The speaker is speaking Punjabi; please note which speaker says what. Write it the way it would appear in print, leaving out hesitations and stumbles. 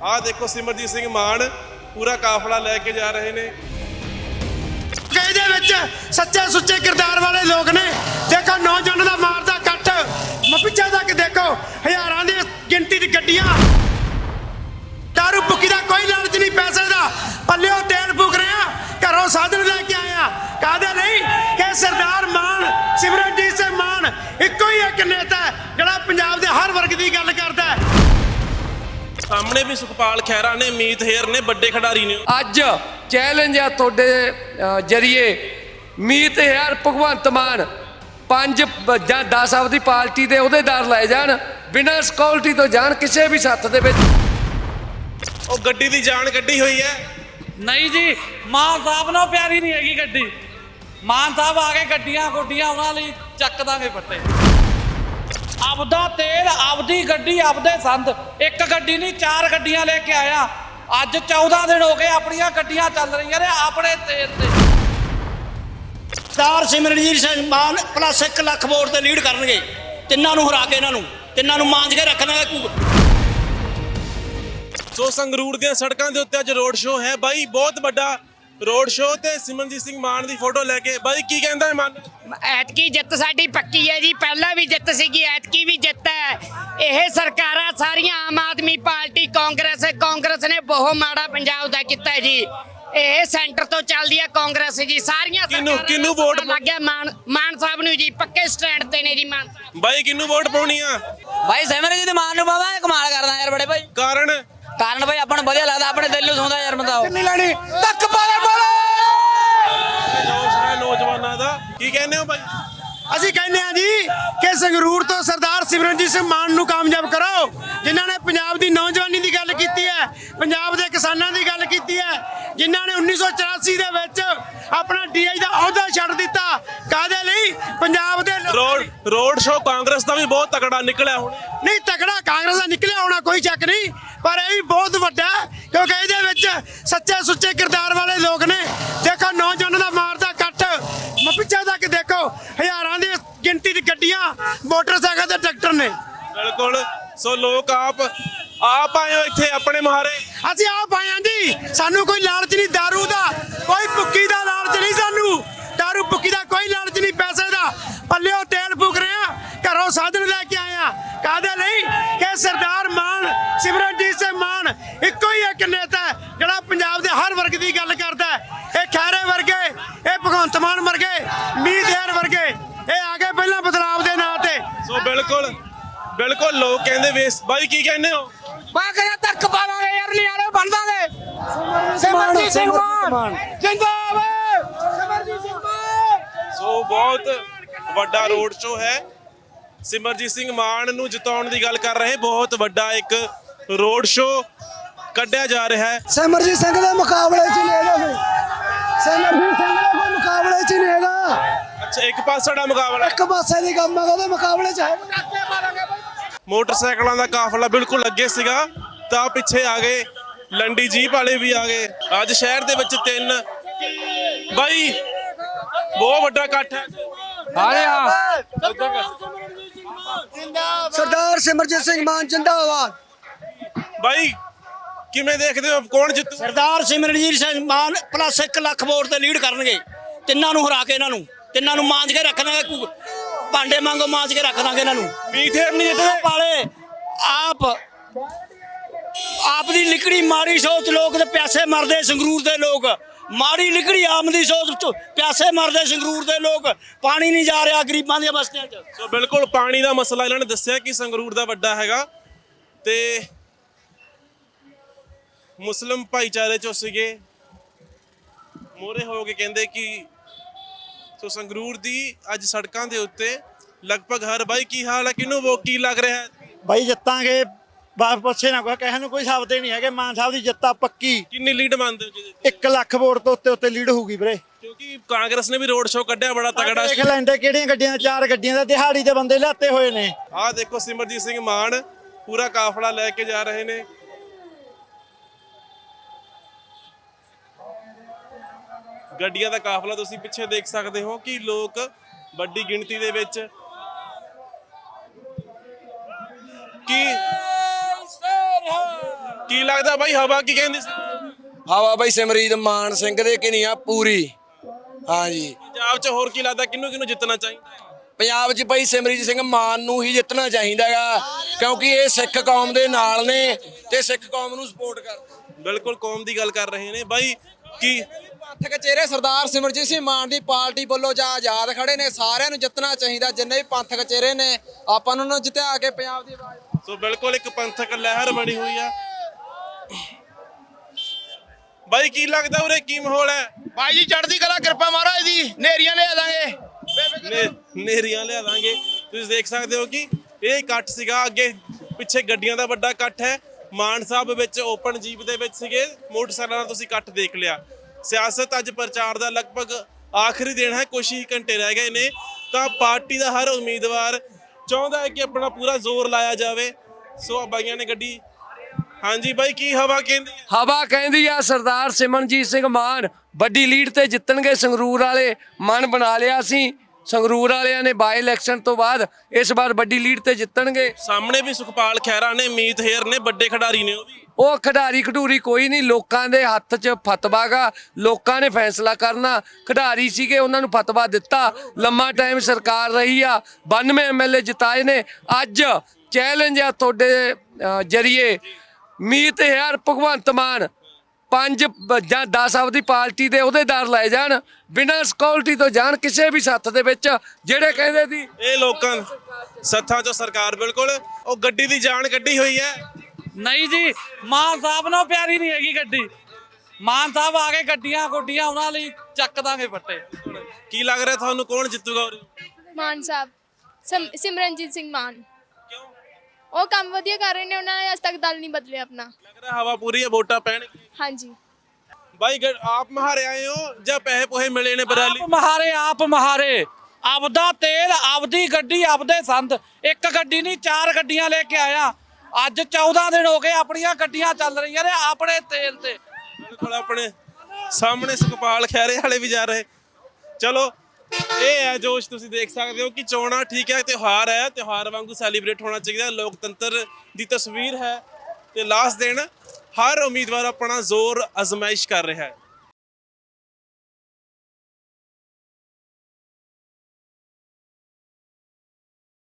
Speaker 1: ਆਹ ਦੇਖੋ ਸਿਮਰਜੀਤ ਸਿੰਘ ਮਾਨ ਪੂਰਾ ਕਾਫਲਾ ਲੈ ਕੇ ਜਾ ਰਹੇ ਨੇ।
Speaker 2: ਇਹਦੇ ਵਿੱਚ ਸੱਚੇ ਸੁੱਚੇ ਕਿਰਦਾਰ ਵਾਲੇ ਲੋਕ ਨੇ। ਦੇਖੋ ਨੌਜਵਾਨਾਂ ਦਾ ਮਾਰਦਾ ਕੱਟ ਪਿੱਛੇ ਤੱਕ ਦੇਖੋ ਹਜ਼ਾਰਾਂ ਦੀ ਗਿਣਤੀ ਦੀ ਗੱਡੀਆਂ। ਦਾਰੂ ਭੁੱਕੀ ਦਾ ਕੋਈ ਲਾਲਚ ਨਹੀਂ ਪੈਸੇ ਦਾ, ਪੱਲਿਓ ਤੇਲ ਫੂਕ ਰਿਹਾ, ਘਰੋਂ ਸਾਧਨ ਲੈ ਕੇ ਆਇਆ। ਕਾਹਦੇ ਲਈ ਕਿ ਸਰਦਾਰ ਮਾਨ ਸਿਮਰਜੀਤ ਸਿੰਘ ਮਾਨ ਇੱਕੋ ਹੀ ਇੱਕ ਨੇਤਾ ਜਿਹੜਾ ਪੰਜਾਬ ਦੇ ਹਰ ਵਰਗ ਦੀ ਗੱਲ ਕਰਦਾ ਹੈ।
Speaker 1: ਸਾਹਮਣੇ ਵੀ ਸੁਖਪਾਲ ਖਹਿਰਾ ਨੇ, ਮੀਤ ਹੇਰ ਨੇ, ਵੱਡੇ ਖਿਡਾਰੀ ਨੇ।
Speaker 3: ਅੱਜ ਚੈਲੰਜ ਆ ਤੁਹਾਡੇ ਜਰੀਏ ਮੀਤ ਹੇਰ ਭਗਵੰਤ ਮਾਨ 5 ਜਾਂ 10 ਆਪਦੀ ਪਾਰਟੀ ਦੇ ਅਹੁਦੇਦਾਰ ਲੈ ਜਾਣ, ਬਿਨਾਂ ਸਿਕਿਉਰਿਟੀ ਤੋਂ ਜਾਣ ਕਿਸੇ ਵੀ ਸੱਥ ਦੇ ਵਿੱਚ।
Speaker 1: ਉਹ ਗੱਡੀ ਦੀ ਜਾਨ ਕੱਢੀ ਹੋਈ ਹੈ।
Speaker 4: ਨਹੀਂ ਜੀ, ਮਾਨ ਸਾਹਿਬ ਨਾਲ ਪਿਆਰੀ ਨਹੀਂ ਹੈਗੀ ਗੱਡੀ। ਮਾਨ ਸਾਹਿਬ ਆ ਕੇ ਗੱਡੀਆਂ ਗੁੱਡੀਆਂ ਉਹਨਾਂ ਲਈ ਚੱਕ ਦਾਂਗੇ ਪੱਟੇ। ਆਪਦਾ ਤੇਲ, ਆਪਦੀ ਗੱਡੀ, ਆਪਦੇ ਸੰਦ। ਇੱਕ ਗੱਡੀ ਨਹੀਂ 4 ਗੱਡੀਆਂ ਲੈ ਕੇ ਆਇਆ। ਅੱਜ 14 ਦਿਨ ਹੋ ਗਏ ਆਪਣੀਆਂ ਗੱਡੀਆਂ ਚੱਲ ਰਹੀਆਂ ਨੇ ਆਪਣੇ ਤੇਲ ਤੇ।
Speaker 5: ਸਰਦਾਰ ਸਿਮਰਜੀਤ ਸਿੰਘ ਮਾਨ ਪਲੱਸ 1 ਲੱਖ ਵੋਟ ਤੇ ਲੀਡ ਕਰਨਗੇ। ਤਿੰਨਾਂ ਨੂੰ ਹਰਾ ਕੇ ਇਹਨਾਂ ਨੂੰ ਤਿੰਨਾਂ ਨੂੰ ਮਾਂਜ ਕੇ ਰੱਖਣਾ।
Speaker 1: ਸੋ ਸੰਗਰੂਰ ਦੀਆਂ ਸੜਕਾਂ ਦੇ ਉੱਤੇ ਅੱਜ ਰੋਡ ਸ਼ੋਅ ਹੈ ਬਾਈ, ਬਹੁਤ ਵੱਡਾ ਰੋਡ ਸ਼ੋਅ ਤੇ ਸਿਮਰਜੀਤ ਸਿੰਘ ਮਾਨ ਦੀ ਫੋਟੋ ਲੈ ਕੇ। ਬਾਈ ਕੀ ਕਹਿੰਦਾ ਹੈ ਮਨ?
Speaker 6: ਐਤਕੀ ਜਿੱਤ ਸਾਡੀ ਪੱਕੀ ਹੈ ਜੀ। ਪਹਿਲਾਂ ਵੀ ਜਿੱਤ ਸੀਗੀ, ਐਤਕੀ ਵੀ ਜਿੱਤ ਹੈ। ਇਹ ਸਰਕਾਰਾਂ ਸਾਰੀਆਂ ਆਮ ਆਦਮੀ ਪਾਰਟੀ, ਕਾਂਗਰਸ ਨੇ ਬਹੁਤ ਮਾੜਾ ਪੰਜਾਬ ਦਾ ਕੀਤਾ ਜੀ। ਇਹ ਸੈਂਟਰ ਤੋਂ ਚੱਲਦੀ ਹੈ ਕਾਂਗਰਸ ਜੀ। ਸਾਰੀਆਂ
Speaker 1: ਕਿਹਨੂੰ ਵੋਟ
Speaker 6: ਲੱਗ ਗਿਆ? ਮਾਨ ਸਾਹਿਬ ਨੂੰ ਜੀ, ਪੱਕੇ ਸਟੈਂਡ ਤੇ ਨੇ ਜੀ ਮਾਨ ਸਾਹਿਬ।
Speaker 1: ਬਾਈ ਕਿਹਨੂੰ ਵੋਟ ਪਾਉਣੀ ਆ?
Speaker 7: ਭਾਈ ਸਿਮਰਜੀਤ ਮਾਨ ਨੂੰ ਪਾਵਾਂ। ਕਮਾਲ ਕਰਦਾ ਯਾਰ ਬੜੇ ਭਾਈ। ਕਾਰਨ ਭਾਈ ਆਪਾਂ ਨੂੰ ਵਧੀਆ ਲੱਗਦਾ, ਆਪਣੇ ਦਿਲ ਨੂੰ ਸੁਣਦਾ ਯਾਰ ਬੰਦਾ।
Speaker 2: ਨਹੀਂ ਲੈਣੀ ਤੱਕ ਪਾਲੇ
Speaker 1: ਜੋਸ਼ ਹੈ ਨੌਜਵਾਨਾਂ ਦਾ। ਕੀ ਕਹਿੰਦੇ ਹੋ ਬਾਈ?
Speaker 2: ਅਸੀਂ ਕਹਿੰਦੇ ਆ ਜੀ ਕਿ ਸੰਗਰੂਰ ਤੋਂ ਸਰਦਾਰ ਸਿਮਰਜੀਤ ਸਿੰਘ ਮਾਨ ਨੂੰ ਕਾਮਯਾਬ ਕਰੋ, ਜਿਨ੍ਹਾਂ ਨੇ ਪੰਜਾਬ ਦੀ ਨੌਜਵਾਨੀ ਦੀ ਗੱਲ ਕੀਤੀ ਹੈ, ਪੰਜਾਬ ਦੇ ਕਿਸਾਨਾਂ ਦੀ ਗੱਲ ਕੀਤੀ ਹੈ, ਜਿਨ੍ਹਾਂ ਨੇ 1984 ਦੇ ਵਿੱਚ ਆਪਣਾ ਡੀਆਈ ਦਾ ਅਹੁਦਾ ਛੱਡ ਦਿੱਤਾ। ਕਾਹਦੇ ਲਈ? ਪੰਜਾਬ ਦੇ
Speaker 1: ਰੋਡ ਸ਼ੋਅ ਕਾਂਗਰਸ ਦਾ ਵੀ ਬਹੁਤ ਤਕੜਾ ਨਿਕਲਿਆ ਹੁਣ।
Speaker 2: ਨਹੀਂ, ਤਕੜਾ ਕਾਂਗਰਸ ਦਾ ਨਿਕਲਿਆ ਹੋਣਾ ਕੋਈ ਸ਼ੱਕ ਨਹੀਂ, ਪਰ ਇਹ ਵੀ ਬਹੁਤ ਵੱਡਾ ਕਿਉਂਕਿ ਇਹਦੇ ਵਿੱਚ ਸੱਚੇ ਸੁੱਚੇ ਕਿਰਦਾਰ ਵਾਲੇ ਲੋਕ ਨੇ। ਦੇਖੋ ਨੌਜਵਾਨਾਂ ਦਾ ਮਾਰਦਾ ਕੱਟ ਪਿੱਛੇ ਤੱਕ ਦੇਖੋ ਹਜ਼ਾਰਾਂ ਦੀ ਗਿਣਤੀ ਦੀ ਗੱਡੀਆਂ, ਮੋਟਰਸਾਈਕਲ ਤੇ ਟਰੈਕਟਰ ਨੇ।
Speaker 1: ਬਿਲਕੁਲ। ਸੋ ਲੋਕ ਆਪ ਆਏ ਹੋ ਇੱਥੇ ਆਪਣੇ ਮੁਹਾਰੇ।
Speaker 2: ਅਸੀਂ ਆਪ ਆਏ ਹਾਂ ਜੀ। ਸਾਨੂੰ ਕੋਈ ਲਾਲਚ ਨਹੀਂ ਦਾਰੂ ਦਾ, ਕੋਈ ਭੁੱਕੀ ਦਾ ਲਾਲਚ ਨਹੀਂ। ਸਾਨੂੰ ਦਾਰੂ ਭੁੱਕੀ ਦਾ ਕੋਈ ਲਾਲਚ ਨਹੀਂ ਪੈਸੇ ਦਾ, ਪੱਲਿਓ ਤੇਲ ਫੂਕ ਰਿਹਾ, ਘਰੋਂ ਸਾਧਨ ਲੈ ਕੇ ਆਇਆ। ਕਾਹਦੇ ਲਈ ਕਿ ਸਰਦਾਰ ਮਾਨ ਸਿਮਰਜੀਤ ਸਿੰਘ ਮਾਨ ਇੱਕੋ ਹੀ ਇੱਕ ਨੇਤਾ ਜਿਹੜਾ ਪੰਜਾਬ ਦੇ ਹਰ ਵਰਗ ਦੀ ਗੱਲ ਕਰਦਾ ਹੈ। ਇਹ ਖੈਰੇ ਵਰਗੇ, ਇਹ ਭਗਵੰਤ ਮਾਨ ਵਰਗੇ, ਮੀਤ ਹੇਰ ਵਰਗੇ, ਇਹ ਆ ਗਏ ਪਹਿਲਾਂ ਬਦਲਾਵ ਦੇ ਨਾਂ ਤੇ।
Speaker 1: ਸੋ ਬਿਲਕੁਲ ਲੋਕ ਕਹਿੰਦੇ ਵੇਸ। ਬਾਈ ਕੀ ਕਹਿੰਦੇ ਹੋ?
Speaker 6: ਮੈਂ ਕਹਿੰਦਾ ਤੱਕ ਪਾਵਾਂਗੇ ਯਾਰ, ਨਿਆਰੇ ਬਣ ਦਾਂਗੇ। ਸਿਮਰਜੀਤ ਸਿੰਘ ਮਾਨ ਜਿੰਦਾਬਾਦ, ਸਿਮਰਜੀਤ ਸਿੰਘ ਮਾਨ।
Speaker 1: ਸੋ ਬਹੁਤ ਵੱਡਾ ਰੋਡ ਸ਼ੋਅ ਹੈ। ਸਿਮਰਜੀਤ ਸਿੰਘ ਮਾਨ ਨੂੰ ਜਿਤਾਉਣ ਦੀ ਗੱਲ ਕਰ ਰਹੇ। ਬਹੁਤ ਵੱਡਾ ਇੱਕ ਰੋਡ ਸ਼ੋਅ ਕੱਢਿਆ ਜਾ ਰਿਹਾ ਹੈ।
Speaker 8: ਸਿਮਰਜੀਤ ਸਿੰਘ ਦੇ ਮੁਕਾਬਲੇ 'ਚ ਨਹੀਂ ਹੈਗਾ। ਸਿਮਰਜੀਤ ਸਿੰਘ ਦੇ ਕੋਈ ਮੁਕਾਬਲੇ 'ਚ ਨਹੀਂ ਹੈਗਾ।
Speaker 1: ਅੱਛਾ, ਇੱਕ ਪਾਸੇ ਦਾ ਮੁਕਾਬਲਾ,
Speaker 8: ਇੱਕ ਪਾਸੇ ਦੀ ਕੰਮ ਹੈ, ਉਹਦੇ ਮੁਕਾਬਲੇ 'ਚ ਹੈ।
Speaker 1: ਮੋਟਰਸਾਈਕਲਾਂ ਦਾ ਕਾਫਲਾ ਬਿਲਕੁਲ ਅੱਗੇ ਸੀਗਾ ਤਾਂ ਪਿੱਛੇ ਆ ਗਏ ਲੰਡੀ ਜੀਪ ਵਾਲੇ ਵੀ ਆ ਗਏ। ਅੱਜ ਸ਼ਹਿਰ ਦੇ ਵਿੱਚ 3 ਬਾਈ ਬਹੁਤ ਵੱਡਾ ਇਕੱਠ ਹੈ।
Speaker 8: ਸਰਦਾਰ ਸਿਮਰਜੀਤ ਸਿੰਘ ਮਾਨ ਜਿੰਦਾਬਾਦ।
Speaker 1: ਬਾਈ ਕਿਵੇਂ ਦੇਖਦੇ ਹੋ, ਕੌਣ ਜਿੱਤੂ?
Speaker 5: ਸਰਦਾਰ ਸਿਮਰਜੀਤ ਸਿੰਘ ਮਾਨ ਪਲੱਸ 1 ਲੱਖ ਵੋਟ ਤੇ ਲੀਡ ਕਰਨਗੇ। ਤਿੰਨਾਂ ਨੂੰ ਹਰਾ ਕੇ ਇਹਨਾਂ ਨੂੰ ਤਿੰਨਾਂ ਨੂੰ ਮਾਂਜ ਕੇ ਰੱਖਣਾ। ਭਾਂਡੇ ਮੰਗੋ ਮਾਂਜ ਕੇ ਰੱਖ ਦਾਂਗੇ ਇਹਨਾਂ ਨੂੰ।
Speaker 1: ਮੀਤ ਹੇਰ ਨਹੀਂ ਜਿੱਤਦੇ
Speaker 5: ਪਾਲੇ ਆਪ ਦੀ ਲਿਕੜੀ ਮਾੜੀ ਸੋਚ। ਲੋਕ ਤੇ ਪਿਆਸੇ ਮਰਦੇ ਸੰਗਰੂਰ ਦੇ ਲੋਕ। ਮਾੜੀ ਲਿਕੜੀ ਆਮ ਦੀ ਸੋਚ, ਪਿਆਸੇ ਮਰਦੇ ਸੰਗਰੂਰ ਦੇ ਲੋਕ। ਪਾਣੀ ਨਹੀਂ ਜਾ ਰਿਹਾ ਗਰੀਬਾਂ ਦੀਆਂ ਬਸਤੀਆਂ 'ਚ।
Speaker 1: ਸੋ ਬਿਲਕੁਲ ਪਾਣੀ ਦਾ ਮਸਲਾ ਇਹਨਾਂ ਨੇ ਦੱਸਿਆ ਕਿ ਸੰਗਰੂਰ ਦਾ ਵੱਡਾ ਹੈਗਾ ਤੇ ਮੁਸਲਿਮ ਭਾਈਚਾਰੇ ਚੋਂ ਸੀਗੇ ਮੋਰੇ ਹੋ ਕੇ ਕਹਿੰਦੇ ਕਿ ਸੋ ਸੰਗਰੂਰ ਦੀ ਅੱਜ ਸੜਕਾਂ ਦੇ ਉੱਤੇ ਲਗਭਗ ਹਰ। ਬਾਈ ਕੀ ਹਾਲ ਹੈ? ਕਿਹਨੂੰ ਕੀ ਲੱਗ ਰਿਹਾ ਹੈ?
Speaker 5: ਬਾਈ ਜਿੱਤਾਂਗੇ, ਬਾਪ ਪੁੱਛੇ ਨਾ ਕੋਈ, ਕਹਿਣ ਨੂੰ ਕੋਈ ਸ਼ਬਦ ਹੀ ਨਹੀਂ ਹੈਗੇ। ਮਾਨ ਸਾਹਿਬ ਦੀ ਜਿੱਤਾ ਪੱਕੀ।
Speaker 1: ਕਿੰਨੀ ਲੀਡ ਮੰਨਦੇ ਹੋ?
Speaker 5: 1 ਲੱਖ ਵੋਟ ਤੋਂ ਉੱਤੇ ਲੀਡ ਹੋਊਗੀ ਵੀਰੇ।
Speaker 1: ਕਿਉਂਕਿ ਕਾਂਗਰਸ ਨੇ ਵੀ ਰੋਡ ਸ਼ੋਅ ਕੱਢਿਆ ਬੜਾ ਤਗੜਾ।
Speaker 5: ਦੇਖ ਲੈਂਦੇ ਕਿਹੜੀਆਂ ਗੱਡੀਆਂ, 4 ਗੱਡੀਆਂ ਦਾ ਦਿਹਾੜੀ ਦੇ ਬੰਦੇ ਲਿਆਤੇ ਹੋਏ ਨੇ।
Speaker 1: ਆਹ ਦੇਖੋ ਸਿਮਰਜੀਤ ਸਿੰਘ ਮਾਨ ਪੂਰਾ ਕਾਫਲਾ ਲੈ ਕੇ ਜਾ ਰਹੇ ਨੇ। ਗੱਡੀਆਂ ਦਾ ਕਾਫਲਾ ਤੁਸੀਂ ਪਿੱਛੇ ਦੇਖ ਸਕਦੇ ਹੋ ਕਿ ਲੋਕ ਵੱਡੀ ਗਿਣਤੀ ਦੇ ਵਿੱਚ ਕੀ ਲੱਗਦਾ ਬਾਈ ਹਵਾ ਕੀ ਕਹਿੰਦੀ ਸੀ?
Speaker 9: ਹਵਾ ਬਾਈ ਸਿਮਰਜੀਤ ਮਾਨ ਸਿੰਘ ਦੇ ਕਿਨੀਆਂ ਪੂਰੀ। ਹਾਂਜੀ,
Speaker 1: ਪੰਜਾਬ 'ਚ ਹੋਰ ਕੀ ਲੱਗਦਾ ਕਿਹਨੂੰ ਕਿਹਨੂੰ ਜਿੱਤਣਾ ਚਾਹੀਦਾ?
Speaker 9: ਪੰਜਾਬ 'ਚ ਬਾਈ ਸਿਮਰਜੀਤ ਸਿੰਘ ਮਾਨ ਨੂੰ ਹੀ ਜਿੱਤਣਾ ਚਾਹੀਦਾਗਾ, ਕਿਉਂਕਿ ਇਹ ਸਿੱਖ ਕੌਮ ਦੇ ਨਾਲ ਨੇ ਤੇ ਸਿੱਖ ਕੌਮ ਨੂੰ ਸਪੋਰਟ ਕਰਦੇ।
Speaker 1: ਬਿਲਕੁਲ ਕੌਮ ਦੀ ਗੱਲ ਕਰ ਰਹੇ ਨੇ ਬਾਈ। ਕੀ
Speaker 10: ਪੰਥਕ ਚਿਹਰੇ ਸਰਦਾਰ ਸਿਮਰਜੀਤ ਸਿੰਘ ਮਾਨ ਦੀ ਪਾਰਟੀ ਵੱਲੋਂ ਜਾਂ ਆਜ਼ਾਦ ਖੜੇ ਨੇ, ਸਾਰਿਆਂ ਨੂੰ ਜਿੱਤਣਾ ਚਾਹੀਦਾ। ਜਿੰਨੇ ਵੀ ਪੰਥਕ ਚਿਹਰੇ ਨੇ ਆਪਾਂ ਨੂੰ ਜਿੱਤਿਆ ਕੇ ਪੰਜਾਬ ਦੀ ਆਵਾਜ਼।
Speaker 1: ਸੋ ਬਿਲਕੁਲ ਇੱਕ ਪੰਥਕ ਲਹਿਰ ਬਣੀ ਹੋਈ ਆ। ਬਾਈ ਕੀ ਲੱਗਦਾ ਉਰੇ ਕੀ ਮਾਹੌਲ ਹੈ?
Speaker 2: ਭਾਈ ਜੀ ਚੜ੍ਹਦੀ ਕਲਾ, ਕਿਰਪਾ ਮਹਾਰਾਜ ਦੀ, ਨੇਰੀਆਂ ਲਿਆ ਦਾਂਗੇ।
Speaker 1: ਨੇਰੀਆਂ ਲਿਆ ਦਾਂਗੇ। ਤੁਸੀਂ ਦੇਖ ਸਕਦੇ ਹੋ ਕਿ ਇਹ ਇਕੱਠ ਸੀਗਾ, ਅੱਗੇ ਪਿੱਛੇ ਗੱਡੀਆਂ ਦਾ ਵੱਡਾ ਇਕੱਠ ਹੈ। ਮਾਨ ਸਾਹਿਬ ਵਿੱਚ ਓਪਨ ਜੀਪ ਦੇ ਵਿੱਚ ਸੀਗੇ, ਮੋਟਰਸਾਈਕਲਾਂ ਦਾ ਤੁਸੀਂ ਇਕੱਠ ਦੇਖ ਲਿਆ। ਸਿਆਸਤ ਅੱਜ ਪ੍ਰਚਾਰ ਦਾ ਲਗਭਗ ਆਖਰੀ ਦਿਨ ਹੈ, ਕੁਝ ਹੀ ਘੰਟੇ ਰਹਿ ਗਏ ਨੇ, ਤਾਂ ਪਾਰਟੀ ਦਾ ਹਰ ਉਮੀਦਵਾਰ ਚਾਹੁੰਦਾ ਹੈ ਕਿ ਆਪਣਾ ਪੂਰਾ ਜ਼ੋਰ ਲਾਇਆ ਜਾਵੇ। ਸੋ ਆ ਬਾਈਆਂ ਨੇ ਗੱਡੀ। ਹਾਂਜੀ ਬਾਈ ਕੀ ਹਵਾ ਕਹਿੰਦੀ ਹੈ?
Speaker 3: ਹਵਾ ਕਹਿੰਦੀ ਆ ਸਰਦਾਰ ਸਿਮਰਨਜੀਤ ਸਿੰਘ ਮਾਨ ਵੱਡੀ ਲੀਡ ਤੇ ਜਿੱਤਣਗੇ। ਸੰਗਰੂਰ ਵਾਲੇ ਮਨ ਬਣਾ ਲਿਆ ਸੀ, ਸੰਗਰੂਰ ਵਾਲਿਆਂ ਨੇ ਬਾਈ ਇਲੈਕਸ਼ਨ ਤੋਂ ਬਾਅਦ ਇਸ ਵਾਰ ਵੱਡੀ ਲੀਡ ਤੇ ਜਿੱਤਣਗੇ।
Speaker 1: ਸਾਹਮਣੇ ਵੀ ਸੁਖਪਾਲ ਖਹਿਰਾ ਨੇ, ਮੀਤ ਹੇਰ ਨੇ, ਵੱਡੇ ਖਿਡਾਰੀ ਨੇ।
Speaker 3: ਉਹ ਖਿਡਾਰੀ ਖਡੂਰੀ ਕੋਈ ਨਹੀਂ, ਲੋਕਾਂ ਦੇ ਹੱਥ 'ਚ ਫਤਵਾ ਗਾ, ਲੋਕਾਂ ਨੇ ਫੈਸਲਾ ਕਰਨਾ। ਖਿਡਾਰੀ ਸੀਗੇ, ਉਹਨਾਂ ਨੂੰ ਫਤਵਾ ਦਿੱਤਾ। ਲੰਮਾ ਟਾਈਮ ਸਰਕਾਰ ਰਹੀ ਆ, 92 ਐਮਐਲਏ ਜਿਤਾਏ ਨੇ। ਅੱਜ ਚੈਲੰਜ ਆ ਤੁਹਾਡੇ ਜਰੀਏ, ਮੀਤ ਹੇਰ ਭਗਵੰਤ ਮਾਨ 5 ਜਾਂ 10 ਆਪਦੀ ਪਾਰਟੀ ਦੇ ਅਹੁਦੇਦਾਰ ਲਾਏ ਜਾਣ, ਬਿਨਾਂ ਸਿਕਿਉਰਿਟੀ ਤੋਂ ਜਾਣ ਕਿਸੇ ਵੀ ਸੱਥ ਦੇ ਵਿੱਚ। ਜਿਹੜੇ ਕਹਿੰਦੇ ਸੀ
Speaker 1: ਇਹ ਲੋਕਾਂ ਸੱਥਾਂ 'ਚੋਂ ਸਰਕਾਰ, ਬਿਲਕੁਲ ਉਹ ਗੱਡੀ ਦੀ ਜਾਨ ਕੱਢੀ ਹੋਈ ਹੈ।
Speaker 4: ਨਹੀਂ ਜੀ, ਮਾਨ ਸਾਹਿਬ ਨੂੰ ਪਿਆਰੀ ਨਹੀਂ ਹੈਗੀ ਗੱਡੀ। ਮਾਨ ਸਾਹਿਬ ਆ ਕੇ ਗੱਡੀਆਂ ਗੁੱਡੀਆਂ ਉਹਨਾਂ ਲਈ ਚੱਕ ਦਾਂਗੇ ਪੱਟੇ।
Speaker 1: ਕੀ ਲੱਗ ਰਿਹਾ ਤੁਹਾਨੂੰ ਕੌਣ ਜਿੱਤੂਗਾ?
Speaker 11: ਮਾਨ ਸਾਹਿਬ, ਸਿਮਰਨਜੀਤ ਸਿੰਘ ਮਾਨ।
Speaker 1: ਕਿਉਂ
Speaker 11: ਉਹ ਕੰਮ ਵਧੀਆ ਕਰ ਰਹੇ ਨੇ, ਉਹਨਾਂ ਨੇ ਅੱਜ ਤੱਕ ਦਲ ਨਹੀਂ ਬਦਲਿਆ ਆਪਣਾ।
Speaker 1: ਲੱਗ ਰਿਹਾ ਹਵਾ ਪੂਰੀ ਹੈ, ਵੋਟਾਂ ਪੈਣਗੀਆਂ?
Speaker 11: ਹਾਂਜੀ।
Speaker 1: ਬਾਈ ਆਪ ਮਹਾਰੇ ਆਏ ਹੋ ਜਾਂ ਪੈਸੇ ਪੋਹੇ ਮਿਲੇ ਨੇ ਬਰਾਲੀ?
Speaker 4: ਆਪ ਮਹਾਰੇ ਆਪਦਾ ਤੇਲ, ਆਪਦੀ ਗੱਡੀ, ਆਪਦੇ ਸੰਦ। ਇੱਕ ਗੱਡੀ ਨਹੀਂ 4 ਗੱਡੀਆਂ ਲੈ ਕੇ ਆਇਆ। ਅੱਜ 14 ਦਿਨ ਹੋ ਗਏ ਆਪਣੀਆਂ ਗੱਡੀਆਂ ਚੱਲ ਰਹੀਆਂ ਨੇ ਆਪਣੇ ਤੇਲ ਤੇ।
Speaker 1: ਬਿਲਕੁਲ ਆਪਣੇ ਸਾਹਮਣੇ ਸੁਖਪਾਲ ਖਹਿਰੇ ਵਾਲੇ ਵੀ ਜਾ ਰਹੇ। ਚਲੋ ਇਹ ਹੈ ਜੋਸ਼, ਤੁਸੀਂ ਦੇਖ ਸਕਦੇ ਹੋ ਕਿ ਚੋਣਾਂ ਠੀਕ ਹੈ, ਤਿਉਹਾਰ ਹੈ, ਤਿਉਹਾਰ ਵਾਂਗੂ ਸੈਲੀਬ੍ਰੇਟ ਹੋਣਾ ਚਾਹੀਦਾ। ਲੋਕਤੰਤਰ ਦੀ ਤਸਵੀਰ ਹੈ ਤੇ ਲਾਸਟ ਦਿਨ ਹਰ ਉਮੀਦਵਾਰ ਆਪਣਾ ਜ਼ੋਰ ਅਜ਼ਮਾਇਸ਼ ਕਰ ਰਿਹਾ ਹੈ।